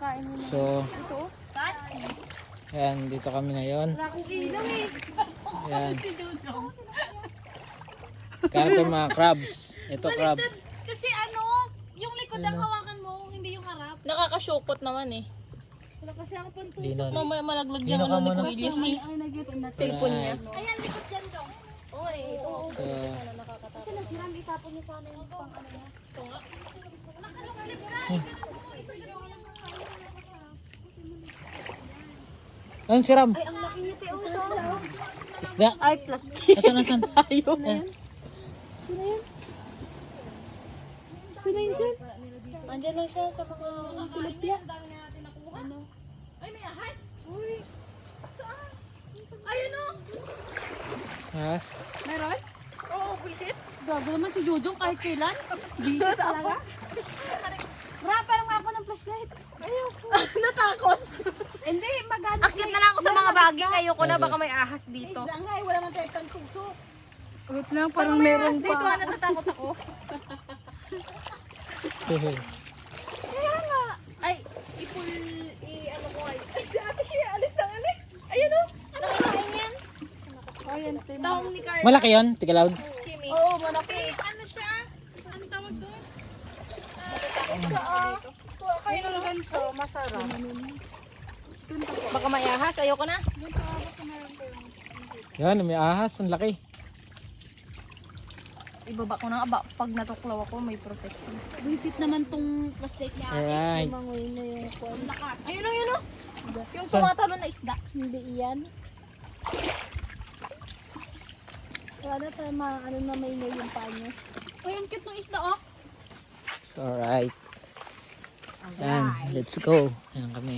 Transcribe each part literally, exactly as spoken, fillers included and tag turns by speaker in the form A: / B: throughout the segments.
A: Kain mo na.
B: So,
A: Ito?
B: ayan, dito kami ngayon.
A: Wala akong ilang eh.
B: Ayan. Kain tayo mga crabs. Ito crabs.
A: Kasi ano, yung likod ang hawakan mo, hindi yung harap.
C: Nakakashokot naman eh.
A: Wala kasi ako pantusok.
B: Lino.
C: Mamaya malaglag
B: Lino
C: yung
B: ka
C: ano ni
B: muna.
C: Kuilis eh.
A: Ay, nag-YouTube na.
C: Cellphone niya.
A: Ayan, likod dyan dong.
C: Oo eh. Oo.
B: So,
A: Kasi nasiram, itapon niya sana yung pang ano niya.
B: ano si Ram?
A: Ay, ang laki niya, Teo.
B: Isda?
A: Ay, plastic.
B: Asan, asan?
A: Ayaw na yan. Sino yan? Sino yun, Sen?
C: Andiyan lang siya sa mga...
A: Tilapia.
C: Ano? Ay, may ahas!
A: Uy.
C: Ayun o!
B: Yes.
A: Meron?
C: Oo, visit.
A: Gago naman si Jojong kahit kailan. Busy talaga. Ra, parang ako ng flashlight. Ayaw ko.
C: Natakot.
A: Hindi, magana.
C: Akit na lang ako sa mga baging. Ayoko na, baka may ahas dito.
A: Isda nga eh, wala man tayo pang tugso. Ulit lang, parang meron
C: Dito,
A: pa.
C: ah, natatakot ako.
A: Kaya nga.
C: Ay, ipul... I, ano ko ay...
A: Ay, si ate siya, alis na alis. Ayun o.
C: Nakakain yan.
A: Ayun, Tim.
C: Taong ni Carla.
B: Malaki yun, Tika Loud.
C: Kimi.
A: Oo, malaki.
C: Ano siya? Ano tawag doon?
A: Kaya lang ganito, masarap.
C: Baka may ahas. Ayoko na.
B: Yan, may ahas, ang laki.
C: Ibaba ko na nga. Ba- Pag natuklaw ako, may protection.
A: Visit naman tong flashlight niya.
B: Alright.
A: Mangoy na yung kwan.
C: Ayun o, yun o. Yung tumatalo na isda.
A: Hindi iyan. Wala na tayo mga ano na may na yung paa niya.
C: Ay, ang cute ng isda oh.
B: Alright. Yan, let's go. Yan kami.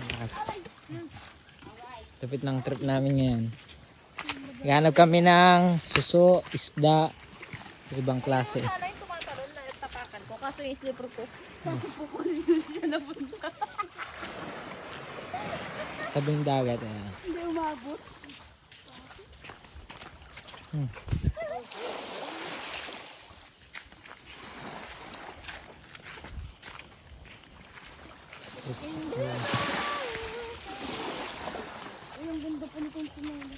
B: Tapit ng trip namin ngayon. Ganap kami ng suso, isda, ibang klase.
C: Sana yung tumatalon na tapakan ko. Kaso yung slipper ko.
B: Tabing dagat. Ayan.
A: Hindi umabot.
B: Hmm. Ayan.
A: Ay, ang ganda pa nitong sinali.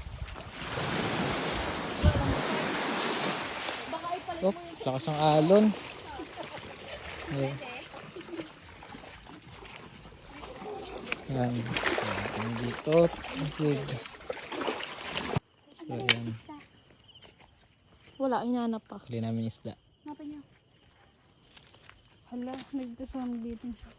A: Baka ipalit
B: Oh, lakas ng alon. Ayan. Yan. Ayan dito. Tubig. So, ayan.
C: Wala, inanap pa.
B: Huli namin isda.
A: Napin niyo. Hala, nagtasang dito siya.